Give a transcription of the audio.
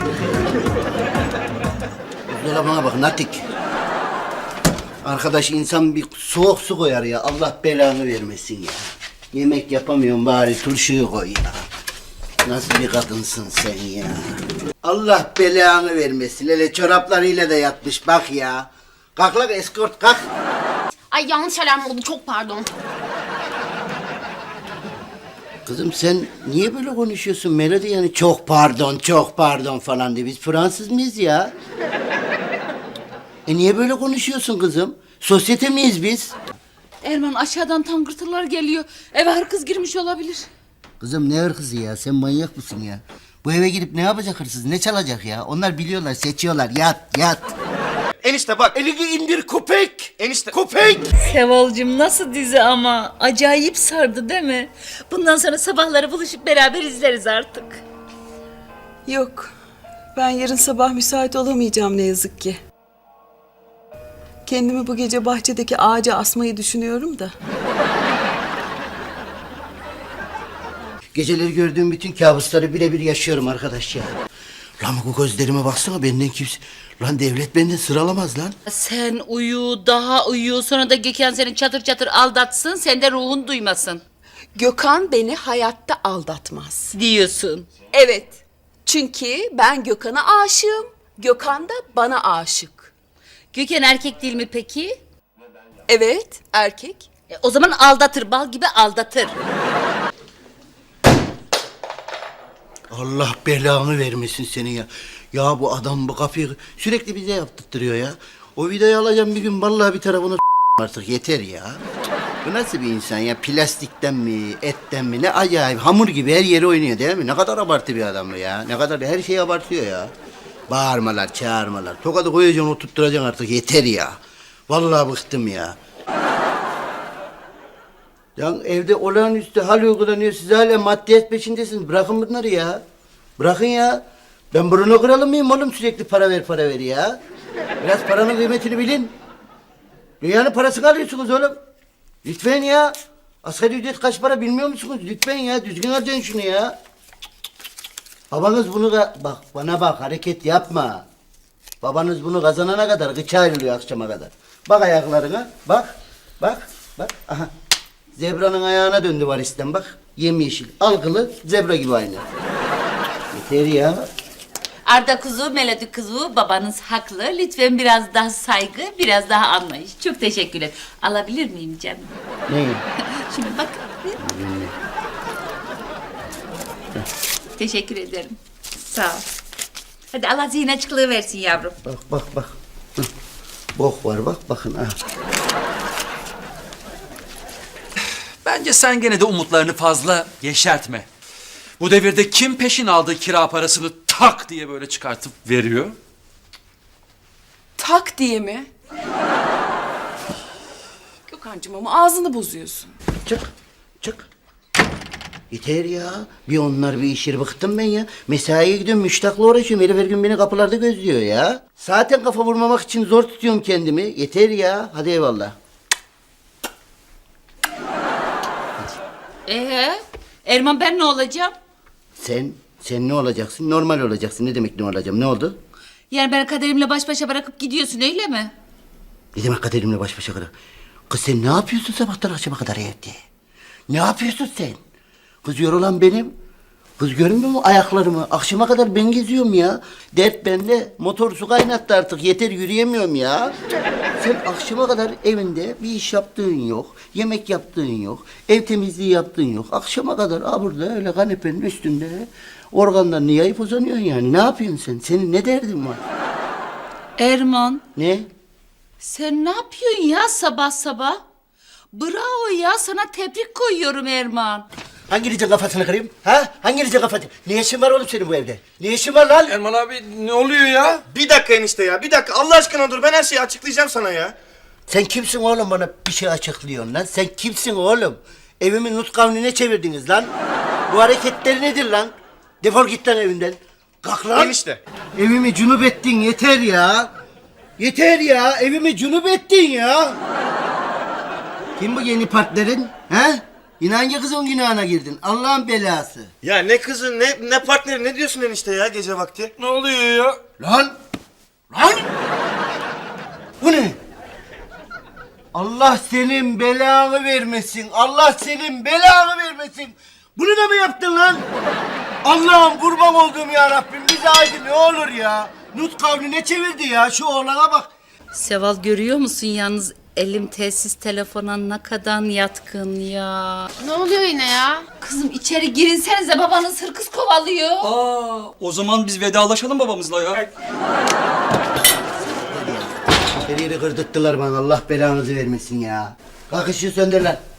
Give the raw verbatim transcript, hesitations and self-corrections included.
Buzdolabına bak Natik. Arkadaş insan bir soğuk su koyar ya. Allah belanı vermesin ya. Yemek yapamıyorum bari turşuyu koy ya. Nasıl bir kadınsın sen ya? Allah belanı vermesin. Hele çoraplarıyla da yatmış bak ya. Kalk lan eskort kalk. Ay yanlış alarm oldu, çok pardon. Kızım sen niye böyle konuşuyorsun Melody, yani çok pardon çok pardon falan diye. Biz Fransız mıyız ya? E niye böyle konuşuyorsun kızım? Sosyete miyiz biz? Erman aşağıdan tangırtılar geliyor. Eve hırsız girmiş olabilir. Kızım ne hırsızı ya? Sen manyak mısın ya? Bu eve gidip ne yapacak hırsız? Ne çalacak ya? Onlar biliyorlar, seçiyorlar. Yat, yat. Enişte bak. Elini indir köpek. Enişte. Köpek. Sevalcığım nasıl dizi ama. Acayip sardı değil mi? Bundan sonra sabahları buluşup beraber izleriz artık. Yok. Ben yarın sabah müsait olamayacağım ne yazık ki. Kendimi bu gece bahçedeki ağaca asmayı düşünüyorum da. Geceleri gördüğüm bütün kabusları birebir yaşıyorum arkadaş ya. Lan bu gözlerime baksana, benden kimse... Lan devlet benden sıralamaz lan. Sen uyu, daha uyu. Sonra da Gökhan seni çatır çatır aldatsın. Sen de ruhun duymasın Gökhan beni hayatta aldatmaz. diyorsun. Evet. Çünkü ben Gökhan'a aşığım. Gökhan da bana aşık. Gökhan erkek değil mi peki? Evet, erkek. E, o zaman aldatır, bal gibi aldatır. Allah belanı vermesin seni ya. Ya bu adam bu kafayı sürekli bize yaptırtırıyor ya. O videoyu alacağım bir gün, vallahi bir tarafını artık yeter ya. Bu nasıl bir insan ya? Plastikten mi, etten mi? Ne acayip hamur gibi her yeri oynuyor değil mi? Ne kadar abartı bir adam bu ya. Ne kadar her şeyi abartıyor ya. Bağırmalar, çağırmalar. Tokadı koyacaksın, oturtturacaksın artık yeter ya. Vallahi bıktım ya. Ya evde olağanüstü hal uygulanıyor. Siz hala maddiyat peşindesiniz. Bırakın bunları ya. Bırakın ya. Ben Bruno kralı mıyım oğlum, sürekli para ver para ver ya. Biraz paranın kıymetini bilin. Dünyanın parasını alıyorsunuz oğlum. Lütfen ya. Asgari ücret kaç para bilmiyor musunuz? Lütfen ya, düzgün harcayın şunu ya. Babanız bunu da... Bak bana bak, hareket yapma. Babanız bunu kazanana kadar gıça ayrılıyor akşama kadar. Bak ayaklarına, bak, bak, bak. Aha. Zebranın ayağına döndü varisten bak. Yemyeşil, algılı, zebra gibi aynı. Yeter ya. Arda kuzu, Melodi kuzu, babanız haklı. Lütfen biraz daha saygı, biraz daha anlayış. Çok teşekkürler. Alabilir miyim canım? Ne? Şimdi bak. Teşekkür ederim. Sağ ol. Hadi Allah zihin açıklığı versin yavrum. Bak bak bak. Hı. Bok var bak, bakın ha. Bence sen gene de umutlarını fazla yeşertme. Bu devirde kim peşin aldığı kira parasını tak diye böyle çıkartıp veriyor? Tak diye mi? Gökhan'cığım ama ağzını bozuyorsun. Çık, çık. Yeter ya. Bir onlar bir işir, bıktım ben ya. Mesaiye gidiyorum, müştakla uğraşıyorum. Herif her gün beni kapılarda gözlüyor ya. Zaten kafa vurmamak için zor tutuyorum kendimi. Yeter ya. Hadi eyvallah. Ee, Erman ben ne olacağım? Sen, sen ne olacaksın? Normal olacaksın. Ne demek ne olacağım? Ne oldu? Yani beni kaderimle baş başa bırakıp gidiyorsun öyle mi? Ne demek kaderimle baş başa kadar? Kız sen ne yapıyorsun sabahtan akşama kadar evde? Ne yapıyorsun sen? Kız yorulan benim. Kız görmüyor mu ayaklarımı? Akşama kadar ben geziyorum ya. Dert bende. Motor su kaynattı artık. Yeter, yürüyemiyorum ya. Sen akşama kadar evinde bir iş yaptığın yok. Yemek yaptığın yok. Ev temizliği yaptığın yok. Akşama kadar ha burada öyle kanepenin üstünde organlarını yayıp uzanıyorsun yani. Ne yapıyorsun sen? Senin ne derdin var? Erman, Ne? sen ne yapıyorsun ya sabah sabah? Bravo ya, sana tebrik koyuyorum Erman. Hanginizin kafasını kırayım? Ha? Hanginizin kafasını? Ne işin var oğlum senin bu evde? Ne işin var lan? Erman abi ne oluyor ya? Bir dakika enişte ya. Bir dakika Allah aşkına dur. Ben her şeyi açıklayacağım sana ya. Sen kimsin oğlum bana bir şey açıklıyorsun lan? Sen kimsin oğlum? Evimi nut kavnine çevirdiniz lan. Bu hareketler nedir lan? Defol git lan evimden. Kalk lan. Enişte. Evimi cunup ettin, yeter ya. Yeter ya, evimi cunup ettin ya. Kim bu yeni partnerin? He? Yine hangi kızın günahına girdin? Allah'ın belası. Ya ne kızı ne ne partneri ne diyorsun enişte ya gece vakti? Ne oluyor ya? Lan! Lan! Bu ne? Allah senin belanı vermesin. Allah senin belanı vermesin. Bunu da mı yaptın lan? Allah'ım kurban olduğum ya Rabbim bize aydın ne olur ya. Nut kavline çevirdi ya şu oğlana bak. Seval görüyor musun yalnız elim telsiz telefona ne kadar yatkın ya. Ne oluyor yine ya? Kızım içeri girinsenize babanız hırkız kovalıyor. Aa, o zaman biz vedalaşalım babamızla ya. Her yeri kırdırttılar bana Allah belanızı vermesin ya. Kalk ışığı söndür lan.